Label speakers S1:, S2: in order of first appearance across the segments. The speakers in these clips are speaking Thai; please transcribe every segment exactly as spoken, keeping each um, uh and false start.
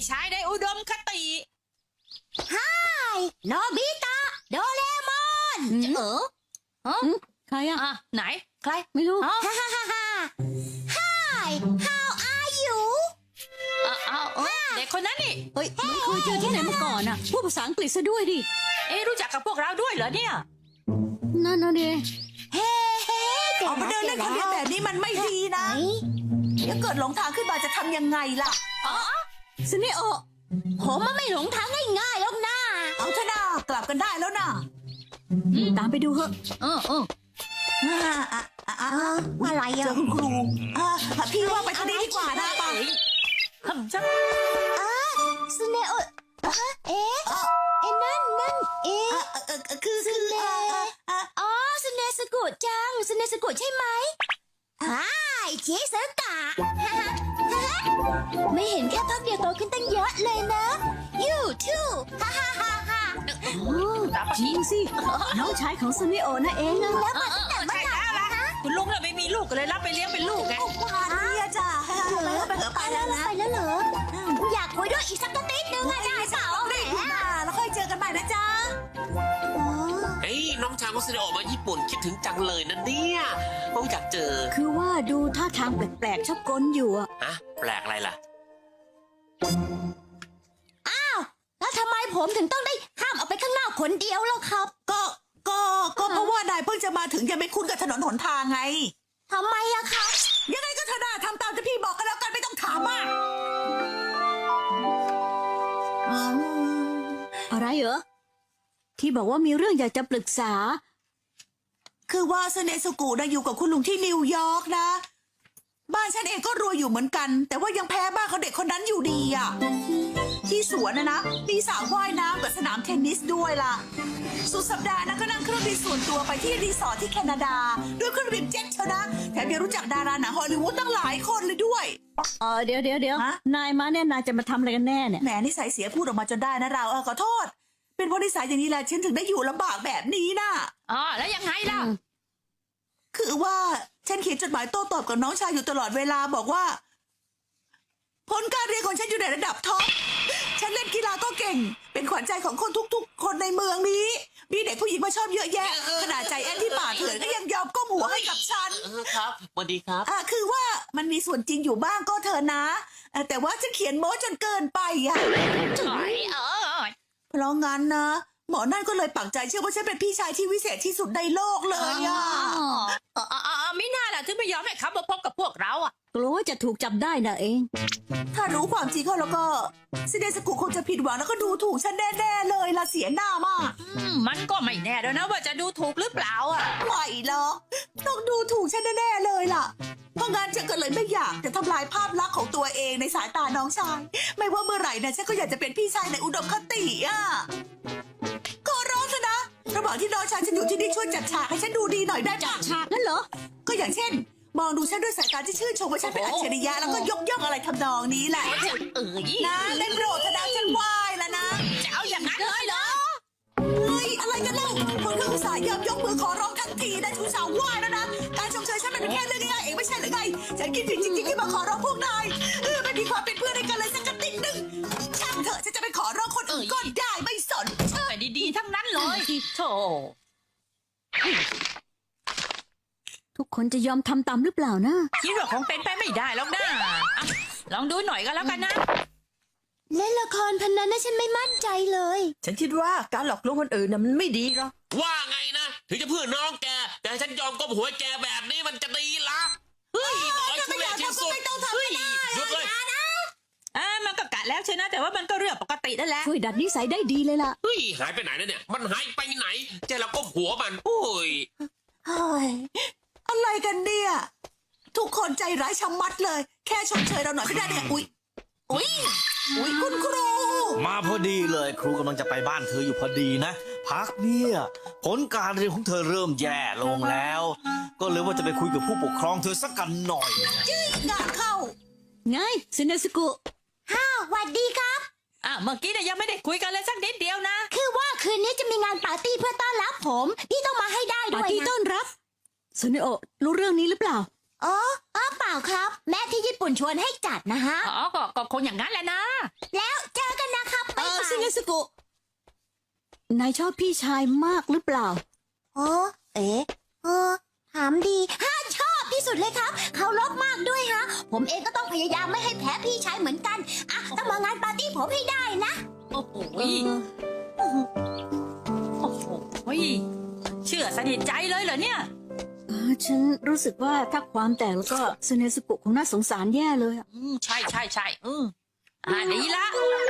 S1: ชายในอุดมคติ
S2: ไฮโนบิตะโดเรมอนเออฮะ
S3: ใครอะ
S1: อ่ะไหนใคร
S3: ไม่รู้
S2: ฮ่าฮ่าฮ่าฮ่า Hi how are you
S1: อ้าวอ้าวเอ้ยเด็กคนนั้นนี่
S3: เฮ้ยไม่เคยเจอที่ไหนมาก่อนอะพูดภาษาอังกฤษซะด้วยดิ
S1: เอ๊ะรู้จักกับพวกเราด้วยเหรอเนี่ย
S3: นั่นน่ะดิ
S2: เฮ้เฮ้
S4: ออกมาเดินเล่นคนเดียวแบบนี้มันไม่ดีนะเดี๋ยวเกิดหลงทางขึ้นมาจะทำยังไงล่ะ
S1: อ๋อ
S3: ซึเนโอะ
S2: ผมมันไม่หลงทางง่ายๆหรอกนะ
S4: เอาเถอะนะกลับกันได้แล้วนะ
S3: ตามไปดูเหอะ
S1: เออเออ
S4: อ่าอ่าอ่า
S2: อะไร
S4: เจ
S2: อ่ะ
S4: อคุณครูอ่าพี่ว่าไปทางนี้ดีกว่านะป่ะ
S1: ทำจัง
S2: ซึเนโอะเอ๊ะเอ๊ะนั่นนั่นเอ๊ะ
S4: คือคือ
S2: อ๋อซึเนสกุจังซึเนสกุใช่ไหมฮ่าเชสกะไม่เห็นแค่พักเดียวโตขึ้นตั้งเยอะเลยนะ you too ฮ่าฮ่าฮ่าฮ่า
S3: จริงสิน้องชายของซึเนโอะนั่นเองนะ
S2: แล้วมาตั้งแต่เมื่อไหร่นะ
S1: คุณลุงเราไม่มีลูกก็เลยรับไปเลี้ยงเป็นลูกไง
S4: ว่านี่จ้ะไปเถอะไปเถอะไปแล้วนะ
S2: ไปแล้วเหรออยากคุยด้วยอีกสักนิดนึงอะได้เปล่า
S4: รีบมาแล้วค่อยเจอกันใหม่นะจ๊ะ
S5: เฮ้ยน้องชายของซิเนโอะมาญี่ปุ่นคิดถึงจังเลยนะเนี่ยผมอยากเจอ
S3: คือว่าดูท่าทางแปลกๆชอบกลอยู่อะ
S5: ฮะแปลกอะไรล่ะ
S2: อ้าวแล้วทำไมผมถึงต้องได้ห้ามออกไปข้างนอกคนเดียวล่ะครับ
S4: ก็ก็ก็เพราะว่านายเพิ่งจะมาถึงยังไม่คุ้นกับถนนหนทางไง
S2: ทำไมอะครับ
S4: ยังไงก็เถอะนะทำตามที่พี่บอกกันแล้วกันไม่ต้องถามมาก
S3: อะไรเหรอที่บอกว่ามีเรื่องอยากจะปรึกษา
S4: คือว่าเซเนซุกุนะอยู่กับคุณลุงที่นิวยอร์กนะบ้านฉันเองก็รวยอยู่เหมือนกันแต่ว่ายังแพ้บ้านเขาเด็กคนนั้นอยู่ดีอ่ะที่สวนนะนะมีสระว่ายน้ำกับสนามเทนนิสด้วยล่ะสุดสัปดาห์นะก็นั่งเครื่องบินส่วนตัวไปที่รีสอร์ทที่แคนาดาด้วยเครื่องบินเจ็ตเชียวนะแถมยังรู้จักดาราหนังฮอลลีวูดตั้งหลายคนเลยด้วย
S3: เออเดี๋ยวเดี๋ยวเดี๋ยวนายมาเนี่ยนายจะมาทำอะไรกันแน่เนี่ย
S4: แหมนิสัยเสียพูดออกมาจนได้นะเราเออขอโทษเป็นเพราะนิสัยอย่างนี้แหละฉันถึงได้อยู่ลำบากแบบนี้น่ะ
S1: อ๋อแล้วยังไงล่ะ
S4: คือว่าฉันเขียนจดหมายโต้ตอบกับน้องชายอยู่ตลอดเวลาบอกว่าผลการเรียนของฉันอยู่ในระดับท็อปฉันเล่นกีฬาก็เก่งเป็นขวัญใจของคนทุกๆคนในเมืองนี้มีเด็กผู้หญิงมาชอบเยอะแยะขนาดใจแอนที่ป่าเถื่อนก็ยังยอมก้มหัวให้กับฉัน
S5: ครับสวัสดีครับ
S4: อ่าคือว่ามันมีส่วนจริงอยู่บ้างก็เถอะนะแต่ว่าฉันเขียนโม้จนเกินไปอ่ะเพราะงั้นนะหมอนั่นก็เลยปักใจเชื่อว่าฉันเป็นพี่ชายที่วิเศษที่สุดในโลกเลยอ่ะ
S1: อ๋ออ๋อไม่น่าล่ะถึงไม่ยอมให้เขามาพบกับพวกเราอ่ะ
S3: กลัวว่าจะถูกจับได้นะเอง
S4: ถ้ารู้ความจริงเขาแล้วก็ซิเดสกุคงจะผิดหวังแล้วก็ดูถูกฉันแน่ๆเลยล่ะเสียหน้ามาก
S1: มันก็ไม่แน่ด้วยนะว่าจะดูถูกหรือเปล่าอ่ะ
S4: ไม่หรอกต้องดูถูกฉันแน่ๆเลยล่ะเพราะงั้นฉันก็เลยไม่อยากจะทำลายภาพลักษณ์ของตัวเองในสายตาน้องชายไม่ว่าเมื่อไหร่นะฉันก็อยากจะเป็นพี่ชายในอุดมคติอ่ะก็ร้องซะนะระหว่างที่น้องชายฉันอยู่ที่นี่ช่วยจัดฉากให้ฉันดูดีหน่อยได้
S3: จัดฉากนั่นเหรอ
S4: ก็อย่างเช่นมองดูฉันด้วยสายตาที่ชื่นชมว่าฉันเป็นอัจฉริยะแล้วก็ยกย่องอะไรทำนองนี้แหละ
S1: เอ้ย
S4: นะเล่นโปรดธนาฉันไหวแล้วนะ
S1: จะเอาอย่างนั้นเลยเหรอ
S4: เฮ้ยอะไรกันเล่าคนก็อุตส่าห์ยอมยกมือขอร้องทันทีได้ทุกสาวไหวแล้วนะการชมเชยฉันมันเป็นแค่เรื่องง่ายๆเองไม่ใช่หรือไงฉันคิดผิดจริงๆที่มาขอร้องพวกนายเออไม่มีความเป็นเพื่อนกันเลยสักนิดนึงช่างเถอะฉันจะไปขอร้องคนอื่นก็ได้ไม่สน
S1: แต่ดีๆทั้งนั้นเลยโธ่
S3: ทุกคนจะยอมทำตามหรือเปล่านะ
S1: คิดว่าคงเป็นไปไม่ได้หรอกนะลองดูหน่อยก็แล้วกันนะ
S2: เล่นละครพันนั้นนะฉันไม่มั่นใจเลย
S4: ฉันคิดว่าการหลอกลวงคนอื่นน่ะมันไม่ดีหรอก
S5: ว่าไงนะถึงจะเพื่อน้องแกแต่ฉันยอมก้มหัวแกแบบนี้มันจะดีละเฮ้ยน้อยทุเรศที่สุดเฮ้ยหยุดเลย
S1: อ่ามันก็กะแล้วใช่นะแต่ว่ามันก็เรื่องปกตินั่นแหละ
S3: ช่วยดัดนิสัยได้ดีเลยล่ะ
S5: เฮ้ยหายไปไหนนะเนี่ยมันหายไปไหนใจเราก้มหัวมันโอ้ย
S4: เฮ้ยอะไรกันเนี่ยทุกคนใจร้ายชะมัดเลยแค่ชมเชยเราหน่อยไม่ได้เนี่ยอุ๊ยอุ๊ยอุ๊ยคุณครู
S6: มาพอดีเลยครูกำลังจะไปบ้านเธออยู่พอดีนะพักเนี่ยผลการเรียนของเธอเริ่มแย่ลงแล้วก็เลยว่าจะไปคุยกับผู้ปกครองเธอสักกันหน่อย
S4: จี้งานเข้า
S3: ไงซึเนซุกุ
S2: ฮ่าสวัสดีครับ
S1: อ่ะเมื่อกี้เนี่ยยังไม่ได้คุยกันเลยสักนิดเดียวนะ
S2: คือว่าคืนนี้จะมีงานปาร์ตี้เพื่อต้อนรับผมพี่ต้องมาให้ได้ด้วยนะ
S3: ปาร์ตี้ต้อนรับซึเนโอะรู้เรื่องนี้หรือเปล่า
S2: อ๋ออ๋อเปล่าครับ แม่ที่ญี่ปุ่นชวนให้จัดนะฮะ
S1: อ๋อก็ก็คงอย่างนั้นแหละนะ
S2: แล้วเจอกันนะครับ
S3: เอ
S2: บ๊าย
S3: อบ
S2: า
S3: ซิ
S2: ย
S3: เนสกุนายชอบพี่ชายมากหรือเปล่า
S2: โอ้เอ๊ะเออถามดีฮะชอบที่สุดเลยครับเขารพมากด้วยฮะ ผมเองก็ต้องพยายามไม่ให้แพ้พี่ชายเหมือนกันอ่ะต้องมางานปาร์ตี้ผมให้ได้นะ
S1: โอ้โห
S3: เออ
S1: โอ้โหเชื่อสนิทใจเลยเหรอเนี่ย
S3: เออฉันรู้สึกว่าถ้าความแตกแล้วก็ซเนสกุคงน่าสงสารแย่เลยอะ
S1: อืมใช่ใช่ใช่อืมอ่าดีละ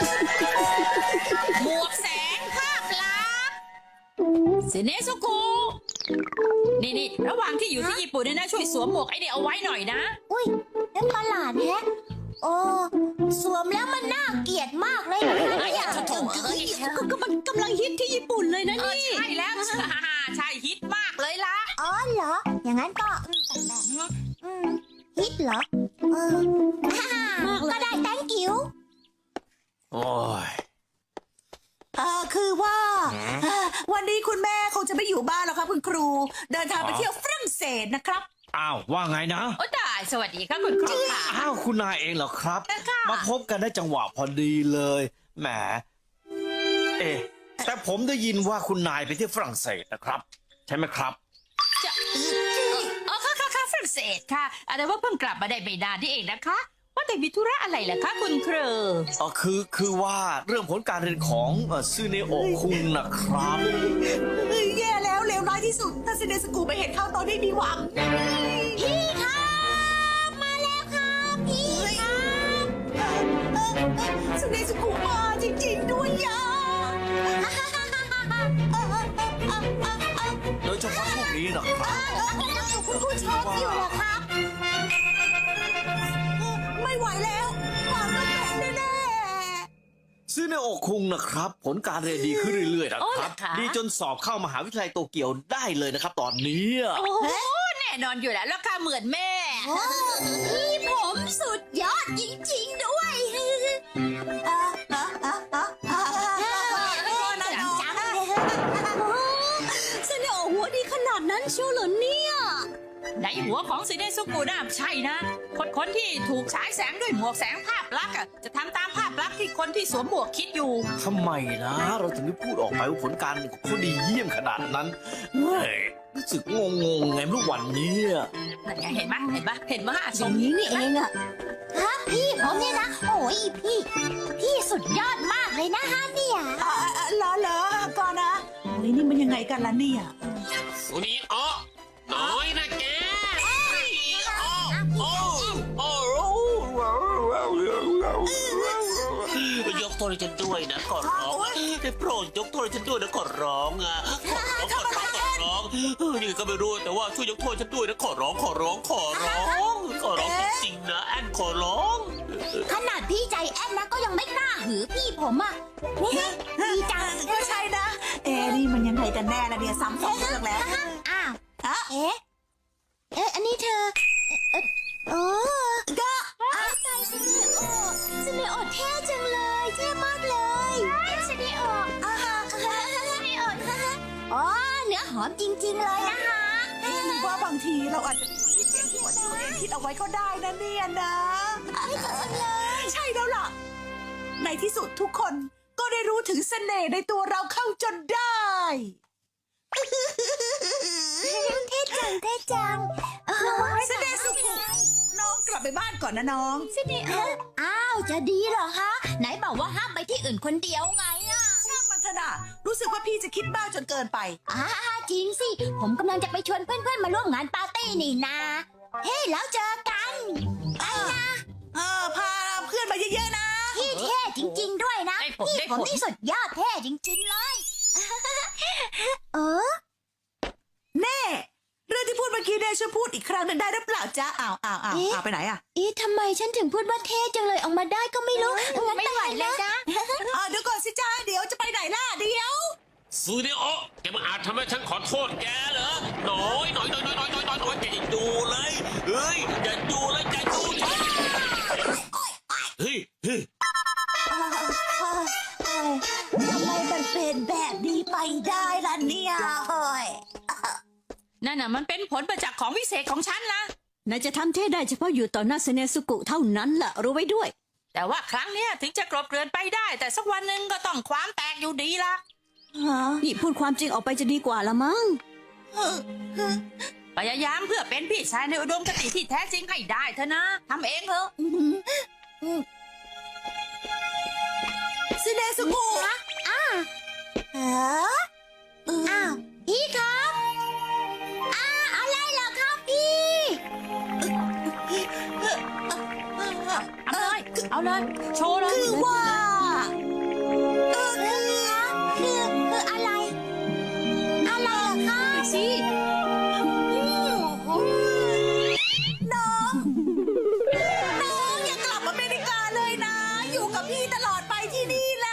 S1: หมวกแสงภาพลักษณ์เซเนสุกุนี่นี่ระหว่างที่อยู่ที่ญี่ปุ่นเนี่ยนะช่วยสวมหมวกไอ้เนี่ยเอาไว้หน่อยนะ
S2: อุ้ยนั่นประหลาดแฮะ โอ้สวมแล้วมันน่าเกลียดมากเลยนะ
S1: ไอ้อะโถ่เอ้ย
S3: ก็ก็มันกำลังฮิตที่ญี่ปุ่นเลยนะ
S1: เออ
S3: นี่
S1: ใช่แล้วใช่ฮิตมากเลยละ
S2: อ๋อเหรอ อย่างนั้นก็อืมแปลกๆฮะอืมฮิตเหรอ เออก็ได้ thank you
S6: โอ้ย
S4: เออคือว่าเอ่อวันนี้คุณแม่คงจะไม่อยู่บ้านแล้วครับคุณครู เดินทางไปเที่ยวฝรั่งเศสนะครับ
S6: อ้าวว่าไงนะ
S1: โอ้ตายสวัสดีค่ะคุณครูค่ะ
S6: อ้าวคุณนายเองเหรอครับ
S1: ค่ะ
S6: มาพบกันได้จังหวะพอดีเลยแหมเอ๊ะแต่ผมได้ยินว่าคุณนายไปที่ฝรั่งเศสนะครับ ใช่ไหมครับ
S1: จะเออค่ะค่ะค่ะฝรั่งเศสค่ะแต่ว่าเพิ่งกลับมาได้ไม่นานที่เองนะคะ ว่าแต่มีธุระอะไรล่ะคะคุณครู
S6: เออคือคือว่าเรื่องผลการเรียนของเอ่อซูเนโอะคุงนะครับ
S4: เฮ้ยแย่แล้วเลวร้ายที่สุด ถ้าเซเนสกูไปเห็นเข้าตอนนี้มีหวัง
S2: พี่ครับมาแล้วครับพี่ครับ
S4: เซเนสกูมาจริงๆด้วยยา
S6: โดยเฉพาะพวกนี้นะครับ
S2: คุณครูชอบอยู่เหรอครับ
S4: ไม่ไหวแล้วหวังต้องแพ้แน่
S6: ซูเนโอะคุงนะครับ ผลการเรียนดีขึ้นเรื่อยๆนะครับ ดีจนสอบเข้ามหาวิทยาลัยโตเกียวได้เลยนะครับ ตอนนี้
S1: โอ้โหแน่นอนอยู่แล้วแล้วค่ะเหมือนแม่
S2: โอ้พี่ผมสุดยอดจริงๆด้วย
S4: ๆอ่ะอ่ะอ่ะอ่ะอ่ะพ่อนะน้อง
S2: จังเลย
S3: เซเนโอะหัวดีขนาดนั้นเชียวเหรอเนี่ย
S1: ในหัวของซีเนสุกุน่ะใช่นะ คนคนที่ถูกฉายแสงด้วยหมวกแสงภาพลักษณ์อะจะทำตามภาพลักษณ์ที่คนที่สวมหมวกคิดอยู่
S6: ทำไมนะ เราถึงได้พูดออกไปว่าผลการเรียนของเขาดีเยี่ยมขนาดนั้นเฮ้ยรู้สึกงงๆไงไม่รู้วันนี้
S1: นั่นไงเห็นไหมเห็นไหมเห็นไหม
S3: อย่างนี้นี่เองอะ
S2: ครับพี่ผมเนี่ยนะ โอ้ยพี่ พี่สุดยอดมากเลยนะฮะเนี่ย
S4: อ่ะอ่ะอ่ะเหรอเหรอก่อนนะเฮ้ยนี่มันยังไงกันล่ะเนี่ย
S5: วันนี้อ๋อน้อยนะแกโอ้โอ้ยกโทษให้ฉันด้วยนะขอร้องได้โปรดยกโทษให้ฉันด้วยนะขอร้องอ่ะขอร้องขอร้องขอร้องเออนี่ก็ไม่รู้แต่ว่าช่วยยกโทษฉันด้วยนะขอร้องขอร้องขอร้องขอร้องจริงๆนะแอนขอร้อง
S2: ขนาดพี่ใจแอนนะก็ยังไม่กล้าหือพี่ผมอ่ะดีจัง
S4: ก็ใช่นะ เอ๊ะนี่มันยังไงกันแน่ละเนี่ยซ้ำสองเรื่องแล้ว
S2: อ้าว
S4: ฮะ
S2: เอ๊ะ เอ๊ะ อันนี้เธอ เอ๊ะโอ้ก็อ้าวใจซิเนโอซิเนโอเท่จังเลย เท่มากเลยซิเนโออ่าฮะซิเนโออ๋อเนื้อหอมจริงๆเลยนะคะ
S4: ว่าบางทีเราอาจจะคิดเองที่ว่าตัวเองคิดเอาไว้ก็ได้นะเนี่ยนะ ใช่แล้วล่ะ ในที่สุดทุกคนก็ได้รู้ถึงเสน่ห์ในตัวเราเข้าจนได้
S2: เท่จังเท่จัง
S4: เสน่ห์สุกุน้องกลับไปบ้านก่อนนะน้อง
S2: ซิเนโออ้าว จะดีเหรอคะ ไหนบอกว่าห้ามไปที่อื่นคนเดียวไงอ่ะ
S4: ช่างมันเถอะนะรู้สึกว่าพี่จะคิดบ้าจนเกินไป
S2: อ่าจริงสิ ผมกำลังจะไปชวนเพื่อนๆมาร่วมงานปาร์ตี้นี่นา เฮ้ยแล้วเจอกันไปนะ
S4: เออพาเพื่อนมาเยอะๆนะ
S2: พี่เท่จริง ๆ ด้วยนะ
S1: ได้ผล
S2: พี่
S1: ได้
S2: ผม
S1: ผล
S2: ที่สุดยอดเท่จริง ๆ เลย เออ
S4: แน่ เรื่องที่พูดเมื่อกี้เนี่ยช่วยพูดอีกครั้งหนึ่งได้หรือเปล่าจ๊ะอ้าวอ้าวอ้าว
S2: เอ๊ะ
S4: อ้าวไปไหนอ่ะ
S2: เอ๊ะทำไมฉันถึงพูดว่าเท่จังเลยออกมาได้ก็ไม่รู้งั้น
S1: ไม่ไหวเลยนะ
S4: อ่าเดี๋ยวก่อนสิจ้าเดี๋ยวจะไปไหนล่ะเดี๋ยว
S5: ซูเนโอะแกมาอาจทำให้ฉันขอโทษแกเหรอน้อยน้อยน้อยน้อยน้อยน้อยน้อยน้อยแกอย่าดูเลยเฮ้ยอย่าดูเลยอย่าดูฉันเฮ้ยเฮ้ย
S4: ทำไมมันเป็นแบบนี้ไปได้ล่ะเนี่ยเฮ้ย
S1: นั่นน่ะมันเป็นผลประจักษ์ของวิเศษของฉันนะ
S3: นายจะทำเท่ได้เฉพาะอยู่ต่อหน้าเซเนสุกุเท่านั้นล่ะรู้ไว้ด้วย
S1: แต่ว่าครั้งเนี้ยถึงจะกลบเกลื่อนไปได้ แต่สักวันหนึ่งก็ต้องความแตกอยู่ดีละ
S4: ฮะ
S3: นี่พูดความจริงออกไปจะดีกว่าละมั้ง
S1: พยายามเพื่อเป็นพี่ชายในอุดมคติที่แท้จริงให้ได้เถอะนะทำเองเถอะ
S4: ซิเนสุกุ
S2: อ้าวอ้าวพี่ครับอ้าอะไรเหรอครับพี่
S1: เอาเลย เอาเลย โชว์เลย
S4: คือว่าเออคือ
S2: คือคืออะไร อะไรเหรอครับ
S1: สิ
S4: น้องน้องอย่ากลับอเมริกาเลยนะ อยู่กับพี่ตลอดไปที่นี่แหละ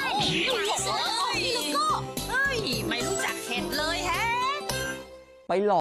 S1: โอ้ยไม่รู้จักเข็ดเลยแฮะ
S7: ไปหลอก